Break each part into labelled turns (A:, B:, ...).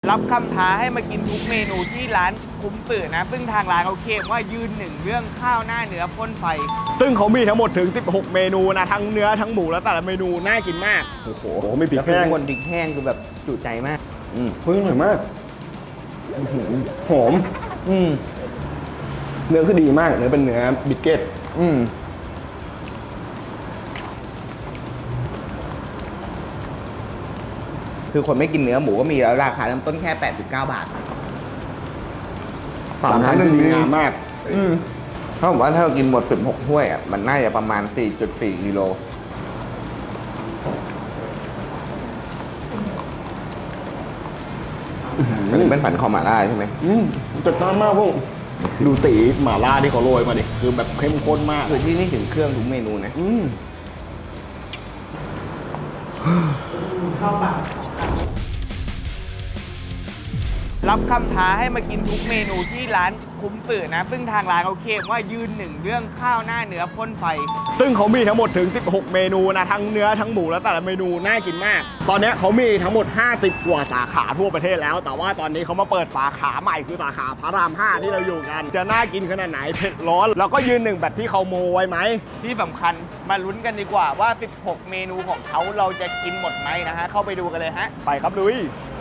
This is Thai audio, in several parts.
A: รับคำท้าให้มากินทุกเมนูที่ร้านคุ้มตื่นนะซึ่งทางร้านเขาเคลมว่ายืนหนึ่งเรื่องข้าวหน้าเนื้อพ่นไฟ
B: ซึ่งเขามีทั้งหมดถึง16เมนูนะทั้งเนื้อทั้งหมูแล้วแต่ละเมนูน่ากินมากโอ้โหไม่พริกแห้ง
C: คนพริกแห้งคือแบบจุใจมาก
B: เฮ้ยอร่อยมากหอมเนื้อคือดีมากเนื้อเป็นเนื้อบิสเกต
C: คือคนไม่กินเนื้อหมูก็มีแล้วราคาเริ่มต้นแค่89 บาท
B: 3 ชั้นดีงามมาก
C: ถ้าผมว่าถ้าเรากินหมด16ถ้วยอ่ะมันน่าจะประมาณ 4.4 กิโลมันเป็นผันคอหม่าล่าใช่ไหม
B: จัดจ้านมากพวกดูตีหม่าล่าที่เขาโรยมาดิคือแบบเข้มข้นมาก
C: คือที่นี่ถึงเครื่องทุกเมนูนะ
A: เข้าปากรับคำท้าให้มากินทุกเมนูที่ร้านคุ้มตื่นนะซึ่งทางร้านเขาเคลมว่ายืนหนึ่งเรื่องข้าวหน้าเนื้อพ่นไฟ
B: ซึ่งเขามีทั้งหมดถึง16เมนูนะทั้งเนื้อทั้งหมูแล้วแต่ละเมนูน่ากินมากตอนนี้เขามีทั้งหมด50กว่าสาขาทั่วประเทศแล้วแต่ว่าตอนนี้เขามาเปิดสาขาใหม่คือสาขาพระราม5ที่เราอยู่กันจะน่ากินขนาดไหนเผ็ดร้อนแล้วก็ยืนหนึ่งแบบที่เขาโมไว้ไหม
A: ที่สำคัญมาลุ้นกันดีกว่าว่า16เมนูของเขาเราจะกินหมดไหมนะฮะเข้าไปดูกันเลยฮะ
B: ไปครับลุย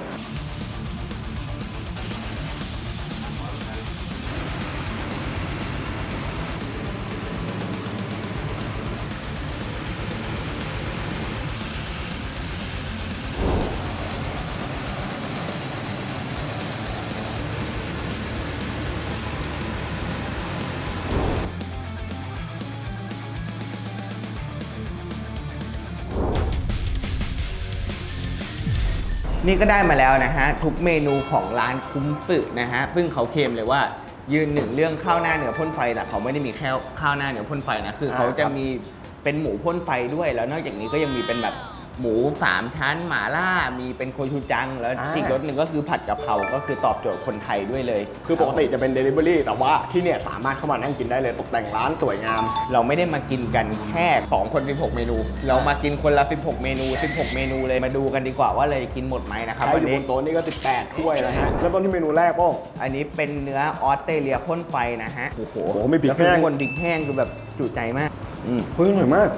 C: นี่ก็ได้มาแล้วนะฮะทุกเมนูของร้านคุ้มตึกนะฮะซึ่งเขาเคลมเลยว่ายืนหนึ่งเรื่องข้าวหน้าเนื้อพ่นไฟแต่เขาไม่ได้มีแค่ข้าวหน้าเนื้อพ่นไฟนะคือเขาจะมีเป็นหมูพ่นไฟด้วยแล้วนอกจากนี้ก็ยังมีเป็นแบบหมู3ชั้นหม่าล่ามีเป็นโคชูจังแล้วอีกรสหนึ่งก็คือผัดกะเพราก็คือตอบโจทย์คนไทยด้วยเลย
B: คือปกติจะเป็น Delivery แต่ว่าที่เนี่ยสามารถเข้ามานั่งกินได้เลยตกแต่งร้านสวยงาม
C: เราไม่ได้มากินกันแค่2คน16เมนูเรามากินคนละ16เมนู16เมนูเลยมาดูกันดีกว่าว่าเลยกินหมดไหมนะครับ
B: วันนี้บนโต๊ะนี่ก็18ถ้วยนะฮะแล้วต้นที่เมนูแรกป้อง
C: อันนี้เป็นเนื้อออสเตรเลียพ่นไฟนะฮะ
B: โอ้โหไม่พริกแห้ง
C: คนพริกแห้งคือแบบจุใจมาก
B: เฮ้ยอร่อยมาก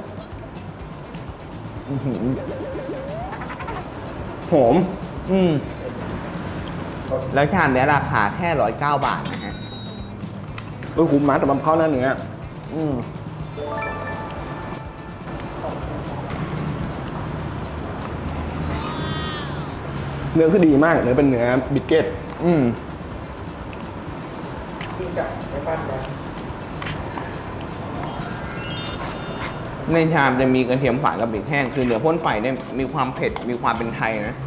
B: หอม
C: แล้วชามนี้ราคาแค่109 บาทนะฮะ
B: คุ้มมากแต่มันเข้าหน้าเนื้อเนื้อคือดีมากเนื้อเป็นเนื้อบิสเกต
C: ในชามจะมีกระเทียมฝานกับพริกแห้งคือเนื้อพ่นไฟเนี่ยมีความเผ็ดมีความเป็นไทยนะ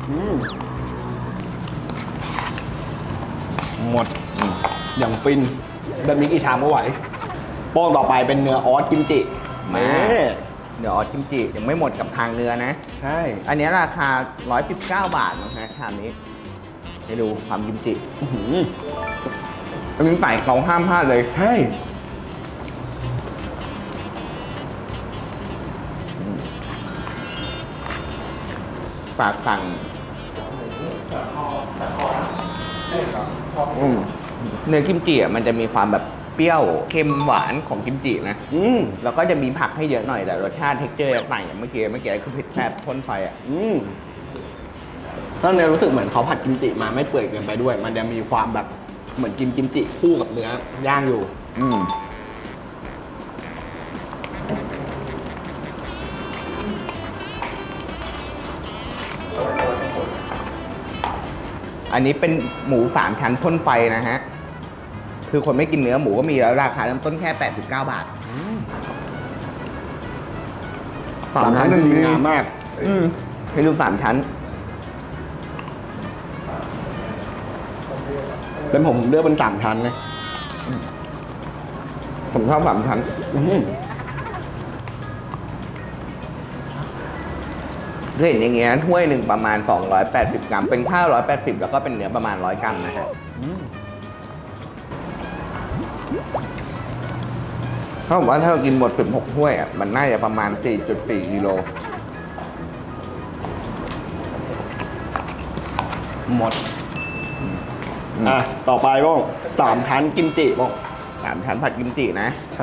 B: หมดอย่างฟินแบบนี้กี่ชามก็ไหวป้องต่อไปเป็นเนื้อออสกิมจิ
C: มาเนื้อออสกิมจิยังไม่หมดกับทางเนื้อนะ
B: ใช่
C: อันนี้ราคา119 บาทนะฮะชามนี้ให้ดูความกิมจิอันนี้ใส่เขาห้ามพลาดเลย
B: ใช่
C: ฝากสั่งเนื้อกิมจิมันจะมีความแบบเปรี้ยวเค็มหวานของกิมจินะแล้วก็จะมีผักให้เยอะหน่อยแต่รสชาติเท็กเจอร์ต่างอย่างเมื่อกี้คือเผ็ดแผบพ่นไฟอ่ะ
B: ถ้าเนี่ยรู้สึกเหมือนเขาผัดกิมจิมาไม่เปื่อยเกินไปด้วยมันจะมีความแบบเหมือนกินกิมจิคู่กับเนื้อย่างอยู่
C: อันนี้เป็นหมู3ชั้นพ่นไฟนะฮะคือคนไม่กินเนื้อหมูก็มีแล้วราคาเริ่มต้นแค่89 บาท
B: 3 ชั้นดีงามมาก
C: ให้ดู3 ชั้น
B: เป็นผมเลือกเป็น3 ชั้นนะ
C: ผมชอบ3 ชั้นเห็นอย่างเงี้ยถ้วยหนึ่งประมาณ280 กรัมเป็นข้าว180แล้วก็เป็นเนื้อประมาณ100 กรัมนะฮะถ้าผมว่าถ้าเรากินหมด16ถ้วยอ่ะมันน่าจะประมาณ 4.4 กิโล
B: หมดต่อไปบ้าง3 ชั้นกิมจิบ้าง
C: 3 ชั้นผัดกิมจินะ
B: ใช่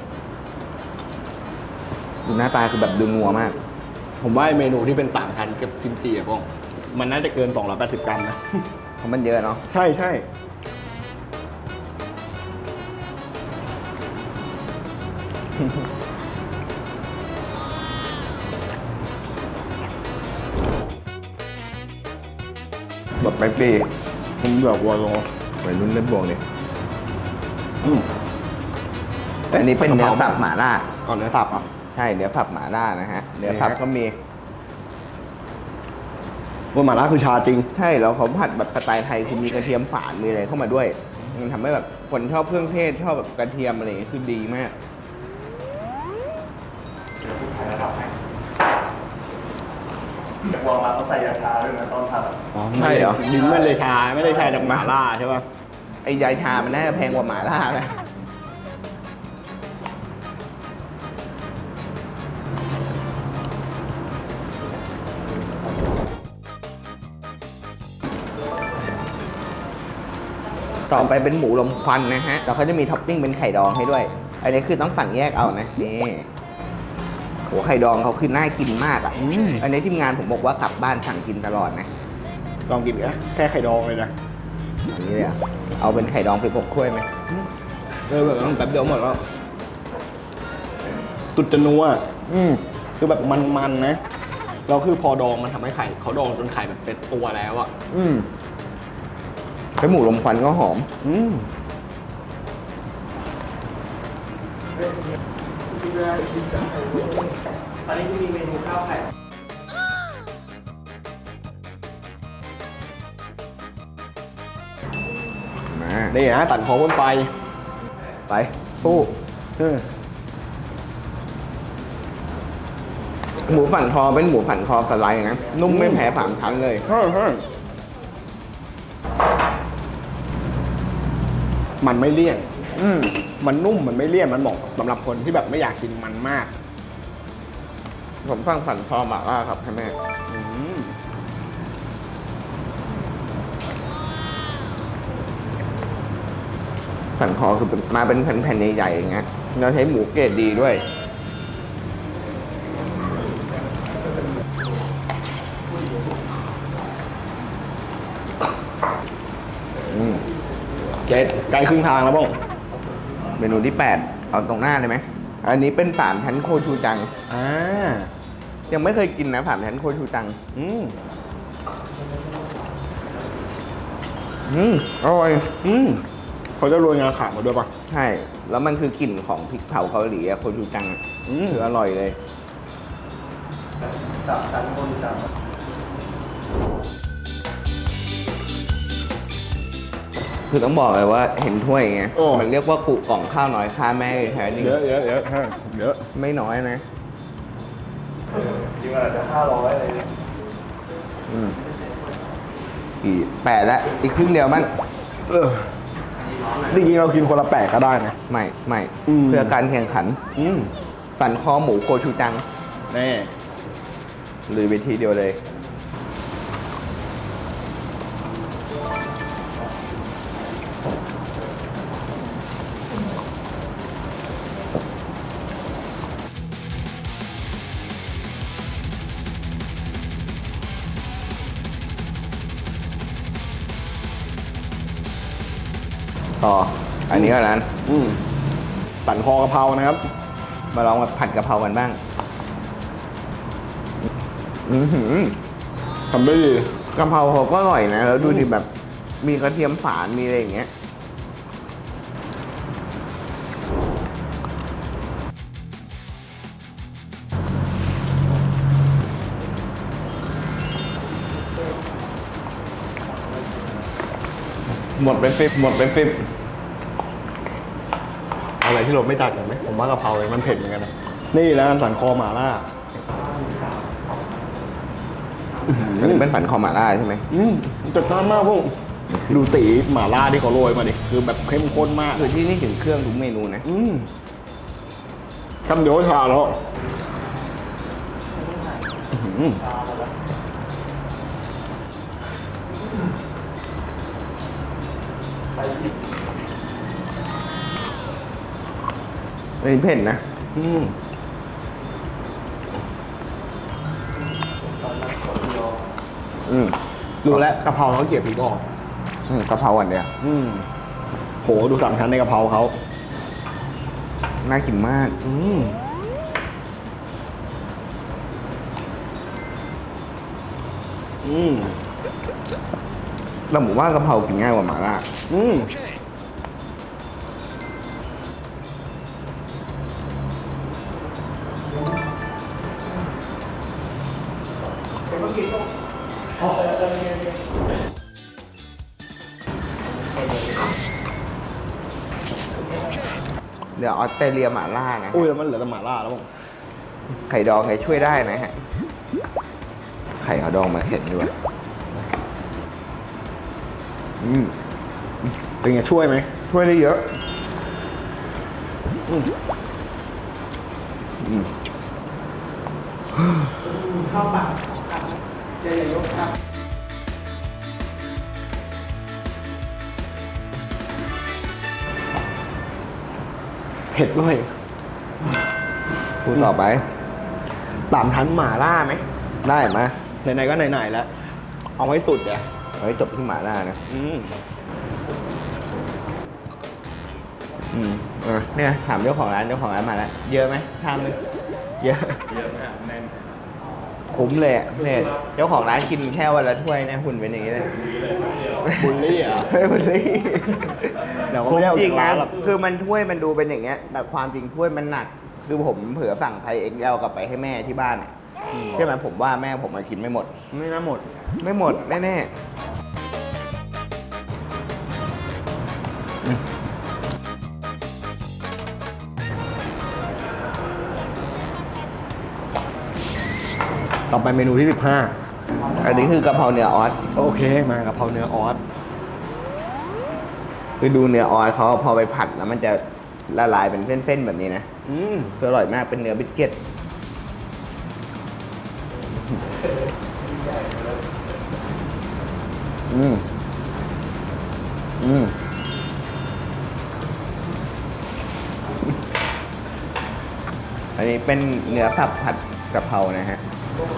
C: ดูหน้าตาคือแบบดูนัวมาก
B: ผมว่าเมนูที่เป็น3 ชั้นกับกิมจิบ้างมันน่าจะเกิน280 กรัมนะ
C: เพราะมันเยอะเนาะ
B: ใช่ใช่แบบไปปีผมแบบวัวลง
C: วัยรุ่นเล่นบวงเลยแต่อันนี้เป็นเนื้อสับหม่าล่า
B: ก่อนเนื้อสับอ่ะ
C: ใช่เนื้อสับหม่าล่านะฮะเนื้อสับก็มี
B: ว่าหม่าล่าคือชาจริง
C: ใช่แล้วเขาผัดแบบสไตล์ไทยคือมีกระเทียมฝานมีอะไรเข้ามาด้วย มันทำให้แบบคนชอบเครื่องเทศชอบแบบกระเทียมอะไรอย่างเงี้ยคือดีมาก
D: แต่วางมาเขาใส่ยาชาด้วยนะตอนทำ
C: ใช่เหรอ
B: ลิ้นไม่เลยชาไม่ได้ชาจากหม่าล่าใช่ป่ะ
C: ไอ้ยายชามันน่าจะแพงกว่าหม่าล่าไหมต่อไปเป็นหมูลมควันนะฮะแล้วเขาจะมีท็อปปิ้งเป็นไข่ดองให้ด้วย อันนี้คือต้องสั่งแยกเอานะ นี่โหไข่ดองเขาคือน่ากินมากอ่ะ อันนี้ทีมงานผมบอกว่ากลับบ้านสั่งกินตลอดนะ
B: ลองกินแค่ไข่ดองเลยนะ
C: อันนี้เลยอ่ะ เอาเป็นไข่ดองไป6 ถ้วยไหม
B: แบบแป๊บเดียวหมดแล้วตุดจะนัวคือแบบมันๆนะแล้วคือพอดองมันทำให้ไข่เขาดองจนไข่แบบเป็นตัวแล้วอ่ะ
C: แล้วหมูลมควันก็หอม
A: ตอนนี้จะมีเมนูข้าวไข่
C: มา
B: นี่นะตัดคอบนไฟ
C: ไปปู้หมูฝันคอเป็นหมูฝันคอสไลด์นะ นุ่มไม่แพ้3 ชั้นเลย
B: มันไม่เลี่ยนมันนุ่มมันไม่เลี่ยนมันเหมาะสำหรับคนที่แบบไม่อยากกินมันมาก
C: ผมสั่งฝันคอหม่าล่าครับให้แม่ ฝันคอคือมาเป็นแผ่นๆใหญ่ๆอย่างเงี้ยเราใช้หมูเกรดดีด้วย
B: เจ็ดใกล้ครึ่งทางแล้วบ้าง
C: เมนูที่ 8 เอาตรงหน้าเลยไหม อันนี้เป็น3 ชั้นโคชูจัง ยังไม่เคยกินนะ3 ชั้นโคชูจัง อร่อย
B: เขาจะโรยงาขาวมาด้วยป่ะ
C: ใช่ แล้วมันคือกลิ่นของพริกเผาเกาหลีอะโคชูจังอะคืออร่อยเลย
D: 3 ชั้นคนจัง
C: คือต้องบอกเลยว่าเห็นถ้วยไง
B: โอ้
C: มันเรียกว่ากุกล่องข้าวน้อยค่าแม่แท้จริง
B: เยอะ
C: ไม่น้อยนะ
D: จริงๆอาจจะ500อะไรเนี่ย
C: อีก8แล้วอีกครึ่งเดียวมัน
B: จริงๆเรากินคนละ8ก็ได้นะ
C: ไม่
B: อืม
C: เพื่อการแข่งขันปั่นคอหมูโคชูจัง
B: แน่
C: หรือเวทีเดียวเลย ต่อ อันนี้ก็นั้น
B: ตันคอกะเพรานะครับ
C: มาลองแบบผัดกะเพรากันบ้าง
B: ทำได้ดี
C: กะเพราเขาก็อร่อยนะ แล้วดูดิแบบมีกระเทียมฝานมีอะไรอย่างเงี้ย หมดเป็นฟิบ
B: อะไรที่เราไม่ตัดกันไหมผมว่ากะเพราเลยมันเผ็ดเหมือนกันนะนี่แล้วกันสันคอหม่าล่า
C: อันนี้เป็นฝันคอหม่าล่าใช่ไหม
B: จัดจ้านมากพวกดูตีหม่าล่าที่เขาโรยมาดิคือแบบเข้มข้นมาก
C: คือที่นี่ถึงเครื่องทุกเมนูนะ
B: คำเดียวก็ชาแล้ว
C: อันนี้เผ็ดนะ
B: ดูแล้วกะเพราเขาเกี่ยวพริกออก
C: กะเพราอันเดียว
B: โหดู3 ชั้นในกะเพราเขา
C: น่ากินมาก แต่ผมว่ากะเพรากินง่ายกว่าหม่าล่า เดี๋ยวออสเตรเลียหม่าล่านะ
B: อุ้ยแล้วมันเหลือแต่หม่าล่าแล้วมั้ง
C: ไข่ดองไข่ช่วยได้นะฮะ ไข่เอาดองมาเข็นด้วย
B: เป็นไงช่วยไหม
C: ช่วยได้เยอะ
A: เข้าปากครับเจยกครับ
B: เผ็ดด้วย
C: พูดต่อไป
B: 3 ชั้นหม่าล่าไหม
C: ได้ไหม
B: ไหนๆก็ไหนๆแล้ว เอาให้สุดเดี๋ยว
C: เอาให้จบที่หม่าล่านะ เนี่ยถามเจ้าของร้านมาแล้ว เยอะไหมชามนึงเยอะ
B: เยอะมากแน่น
C: คุ้มเลยอะเนี่ยเจ้าของร้านกินแค่วันละถ้วยนะหุ่นเป็นอย่างนี้เลย
B: บุลลี่เหรอ
C: ไม่บุลลี่
B: เดี๋ยวก็
C: คุ้ม
B: ไม่ได้เอา
C: จริง
B: จากร้า
C: นะ
B: นหรอก
C: คือมันถ้วยมันดูเป็นอย่างเงี้ย แต่ความจริงถ้วยมันหนัก คือผมเผื่อสั่งไทย XL กลับไปให้แม่ที่บ้านอะใช่ไหมผมว่าแม่ผมมากินไม่หมด
B: ไม่น่าหมด
C: ไม่หมดแน่ๆ
B: ต่อไปเมนูที่
C: อันนี้คือกะเพราเนื้อออส
B: 15 โอเค มากะเพราเนื้อออส
C: คือดูเนื้อออสเขาพอไปผัดแล้วมันจะละลายเป็นเส้นๆแบบนี้นะคืออร่อยมากเป็นเนื้อบิสกิตอันนี้เป็นเนื้อสับผัดกะเพรานะฮะ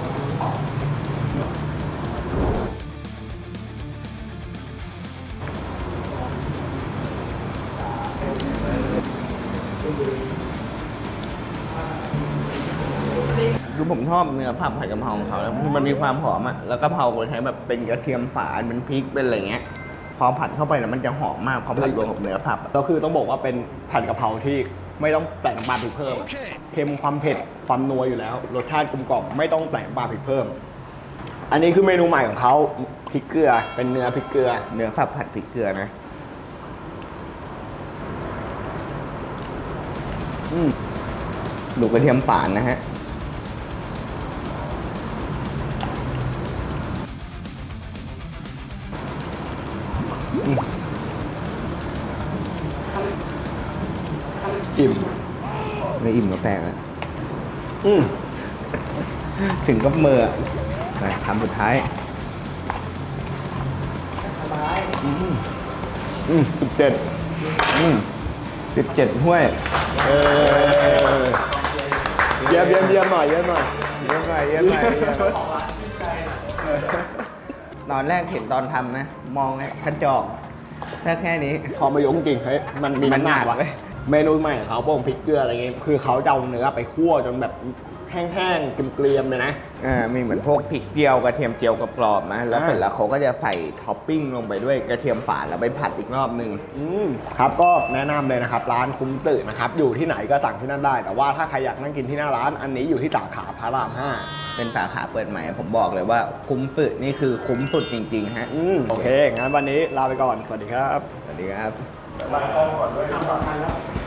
C: คือผมชอบเนื้อผัดกะเพราของเขาแล้วมันมีความหอมอ่ะแล้วกะเพราเขาใช้แบบเป็นกระเทียมฝานเป็นพริกเป็นอะไรเงี้ย พอผัดเข้าไปแล้วมันจะหอมมากพอผัดรวมกับเนื้อผัดอะ
B: ก็คือต้องบอกว่าเป็นผัดกะเพราที่ไม่ต้องแต่งน้ำปลาพริกเพิ่ม เค็มความเผ็ดความนัวอยู่แล้ว รสชาติกลมกล่อมไม่ต้องแต่งน้ำปลาพริกเพิ่ม อันนี้คือเมนูใหม่ของเขาพริกเกลือ เป็นเนื้อพริกเกลือ
C: เนื้อสับผัดพริกเกลือนะดูกระเทียมฝานนะฮะ
B: อิ่ม
C: ไม่อิ่มก็แปลกแล้ว
B: อืม
C: ถึงกับมืออะนะคำสุดท้าย
B: 17
C: 17ถ้วย
B: เยี่ยมหน่อยเยี่ยมหน่อย
C: เยอะไปเยอะไปตอนแรกเห็นตอนทำนะ มองกระจอกแค่นี้
B: พอมายกจริงๆเฮ้ยมันมี
C: มันหนัก
B: ว่ะ
C: เว้ย
B: เมนูใหม่ของเขาพวกพริกเกลืออะไรเงี้ยคือเขาจะเอาเนื้อไปคั่วจนแบบแห้งๆเกรียมๆเลยนะ
C: มีเหมือนพวกพริกเจียวกระเทียมเจียวกรอบๆนะแล้วเสร็จแล้วเขาก็จะใส่ท็อปปิ้งลงไปด้วยกระเทียมฝานแล้วไปผัดอีกรอบนึง
B: ครับก็แนะนำเลยนะครับร้านคุ้มตื่นนะครับอยู่ที่ไหนก็สั่งที่นั่นได้ แต่ว่าถ้าใครอยากนั่งกินที่หน้าร้านอันนี้อยู่ที่สาขาพระราม
C: เป็นสาขาเปิดใหม่ผมบอกเลยว่าคุ้มสุดนี่คือคุ้มสุดจริงๆฮะ
B: 5โอเคงั้นวันนี้ลาไปก่อนสวัสดีครับ
C: สวัสดีครับ
D: ล้างกล้องก่อนด้วย